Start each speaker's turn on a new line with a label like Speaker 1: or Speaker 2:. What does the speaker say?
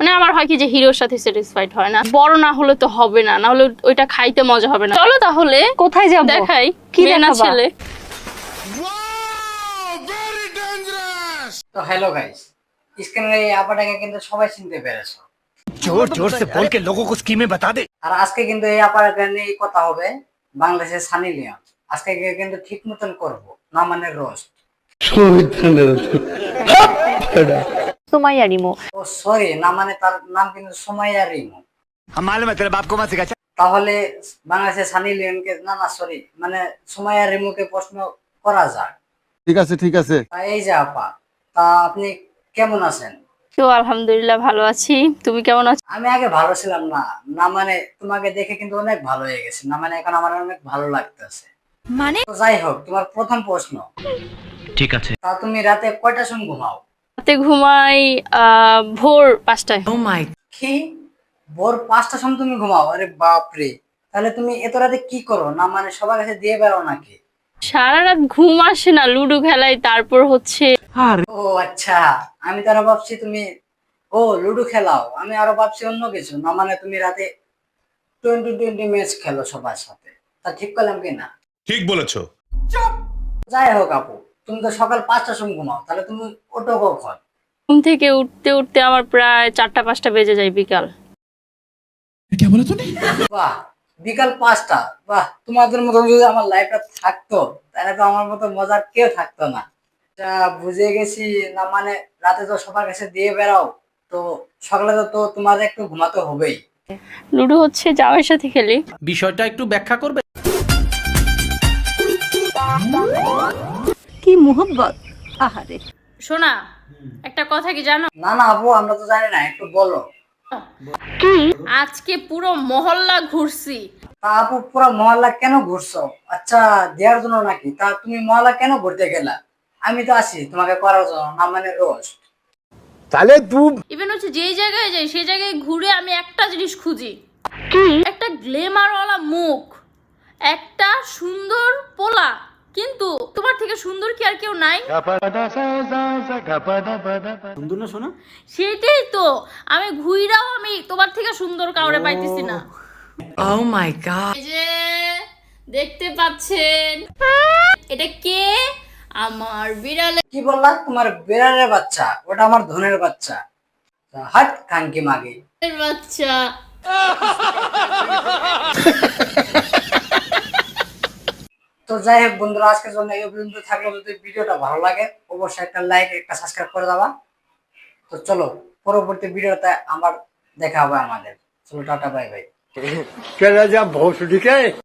Speaker 1: মানে আমার হয় কি যে হিরোর সাথে স্যাটিসফাইড হয় না, বড় না হলে তো হবে না, না হলে ওইটা খাইতে মজা হবে না। চলো তাহলে
Speaker 2: কোথায় যাব?
Speaker 1: দেখাই
Speaker 2: কি
Speaker 1: মেয়ে না
Speaker 2: দেখাবা?
Speaker 1: ছেলে।
Speaker 3: তো হ্যালো গাইস, স্ক্রিনে এই আপাটাকে কিন্তু সবাই চিনতে পেরেছো।
Speaker 4: जोर जोर से बोल के लोगों को स्कीमें बता दे।
Speaker 3: আর আজকে কিন্তু এই আপাটাকে নিয়ে কথা হবে, বাংলাদেশের সানি লিওন। আজকে কিন্তু ঠিক মতন করবো, না মানে রোস্ট।
Speaker 2: সুমাইয়া রিমু।
Speaker 3: ও সরি, না মানে তার নাম কিন্তু সুমাইয়া রিমু।
Speaker 4: हम मालूम है तेरे बाप को मत सिखा।
Speaker 3: তাহলে বাংলাদেশের সানি লিওনকে, না না সরি, মানে সুমাইয়া রিমুকে প্রশ্ন করা যাক।
Speaker 5: ঠিক আছে ঠিক আছে।
Speaker 3: তা এই যে আপা, তা আপনি কেমন আছেন?
Speaker 1: তো আলহামদুলিল্লাহ ভালো আছি, তুমি কেমন আছো?
Speaker 3: আমি আগে ভালো ছিলাম না, না মানে তোমাকে দেখে কিন্তু অনেক ভালো হয়ে গেছে, না মানে এখন আমার অনেক ভালো লাগতেছে।
Speaker 2: মানে
Speaker 3: তো যাই হোক, তোমার প্রথম প্রশ্ন,
Speaker 4: ठीक है।
Speaker 3: তা তুমি রাতে কয়টার সময় ঘুমাও?
Speaker 1: রাতে ঘুমাই ভোর 5টায়।
Speaker 3: কি, ভোর 5টার সময় তুমি ঘুমাও? আরে বাপরে, তাহলে তুমি এত রাতে কি করো? না মানে সবার কাছে দিয়ে বেড়াও নাকি?
Speaker 1: সারা রাত ঘুম আসে না, লুডো খেলাই, তারপর হচ্ছে
Speaker 3: ও আচ্ছা, আমি তো আরো ভাবছি তুমি লুডো খেলাও, আমি আরো ভাবছি অন্য কিছু। না মানে তুমি রাতে 20 ম্যাচ খেলো সবার সাথে, তা ঠিক করলাম কি না?
Speaker 6: ঠিক বলেছো।
Speaker 3: যাই হোক আপু, তুমি তো সকাল 5টার সময় ঘুমাও, তাহলে তুমি ওঠো কখন?
Speaker 1: ঘুম থেকে উঠতে উঠতে আমার প্রায় 4টা-5টা বেজে যায় বিকাল।
Speaker 3: বাহ, বিকাল 5টা! বাহ, তোমাদের মতো যদি আমার লাইফটা থাকতো, তাহলে তো আমার মতো মজার কেউ থাকতো না। তা বুঝে গেছি, না মানে রাতে তো সবার কাছে দিয়ে বেড়াও, তো সকালে তো তোমার একটু ঘুমাতে হবেই।
Speaker 1: লুডো হচ্ছে জামাইয়ের সাথে খেলি।
Speaker 7: বিষয়টা একটু ব্যাখ্যা করবে?
Speaker 2: কি মোহব্বত! আহারে,
Speaker 1: শোনা, একটা কথা কি জানো?
Speaker 3: না না আপু, আমরা তো জানি না, একটু বলো।
Speaker 1: আজকে পুরো মহল্লা ঘুরছি।
Speaker 3: তা আপু, পুরো মহল্লা কেন ঘুরছো? আচ্ছা, দেওয়ার জন্য নাকি? তা তুমি মহল্লা কেন ঘুরতে গেলা? আমি তো আছি তোমাকে করার জন্য, না মানে রোস্ট।
Speaker 4: साले तू
Speaker 1: ইভেন হচ্ছে যেই জায়গায় যাই সেই জায়গায় ঘুরে আমি একটা জিনিস খুঁজি, একটা গ্ল্যামারওয়ালা মুখ, একটা সুন্দর পোলা। কিন্তু তোমার থেকে সুন্দর কি আর কেউ নাই?
Speaker 7: সুন্দর না শোনা?
Speaker 1: সেটাই তো, আমি ঘুইরাও আমি তোমার থেকে সুন্দর কাউরে পাইতেছি না।
Speaker 8: Oh my god.
Speaker 1: এই যে দেখতে পাচ্ছেন, এটা কে? আমার বিড়ালে
Speaker 3: কি বললা? তোমার বিড়ালের বাচ্চা? ওটা আমার ধনের বাচ্চা। তা হাট কাঙ্কি মাগি।
Speaker 1: বাচ্চা।
Speaker 3: তো যাই হোক বন্ধুরা, আজকের জন্য এই পর্যন্ত থাকলো। যদি ভিডিওটা ভালো লাগে অবশ্যই একটা লাইক, একটা সাবস্ক্রাইব করে দেবা। তো চলো, পরবর্তী ভিডিওতে আবার দেখা হবে আমাদের। চলো, টাটা, বাই বাই।
Speaker 4: चला जा भोसड़ी के।